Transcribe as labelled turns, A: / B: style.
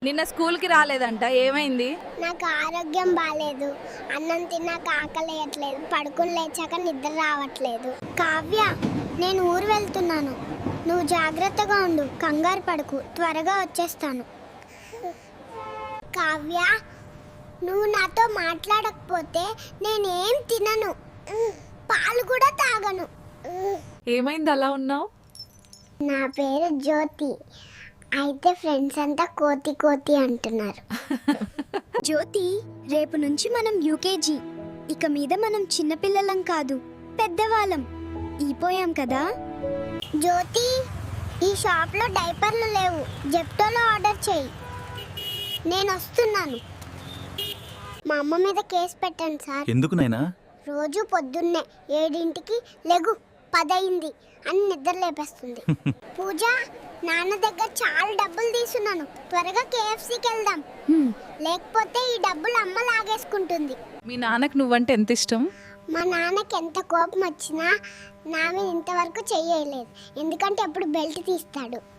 A: నిన్న స్కూల్కి రాలేదంట, ఏమైంది?
B: నాకు ఆరోగ్యం బాగాలేదు. అన్నం తిన్నాక ఆకలేయట్లేదు. పడుకుని లేచాక నిద్ర రావట్లేదు. కావ్య, నేను ఊరు వెళ్తున్నాను. నువ్వు జాగ్రత్తగా ఉండు. కంగారు పడుకు. త్వరగా వచ్చేస్తాను. కావ్య, నువ్వు నాతో మాట్లాడకపోతే నేనేం తినను. పాలు కూడా తాగను.
A: ఏమైంది అలా ఉన్నావు?
B: నా పేరు జ్యోతి. అయితే ఫ్రెండ్స్ అంతా కోతి కోతి అంటున్నారు.
C: జ్యోతి, రేపు నుంచి మనం యూకేజీ. ఇక మీద మనం చిన్నపిల్లలం కాదు, పెద్దవాళ్ళం ఈపోయాం కదా.
B: జ్యోతి, ఈ షాప్లో డైపర్లు లేవు. జెప్టోలో ఆర్డర్ చేయి. నేను వస్తున్నాను. మా అమ్మ మీద కేసు పెట్టండి సార్.
D: ఎందుకు నాయనా?
B: రోజు పొద్దున్నే 7ంటికి లెగు 10 అయింది అని నిద్ర లేపేస్తుంది. పూజ, నాన్న దగ్గర చాలా డబ్బులు తీసుకున్నాను. త్వరగా KFCకి వెళ్దాం. లేకపోతే ఈ డబ్బులు అమ్మ లాగేసుకుంటుంది.
A: మీ నాన్నకు నువ్వంటే ఎంత ఇష్టం?
B: మా నాన్నకి ఎంత కోపం వచ్చినా నా మీద ఇంతవరకు చెయ్యలేదు. ఎందుకంటే ఎప్పుడు బెల్ట్ తీస్తాడు.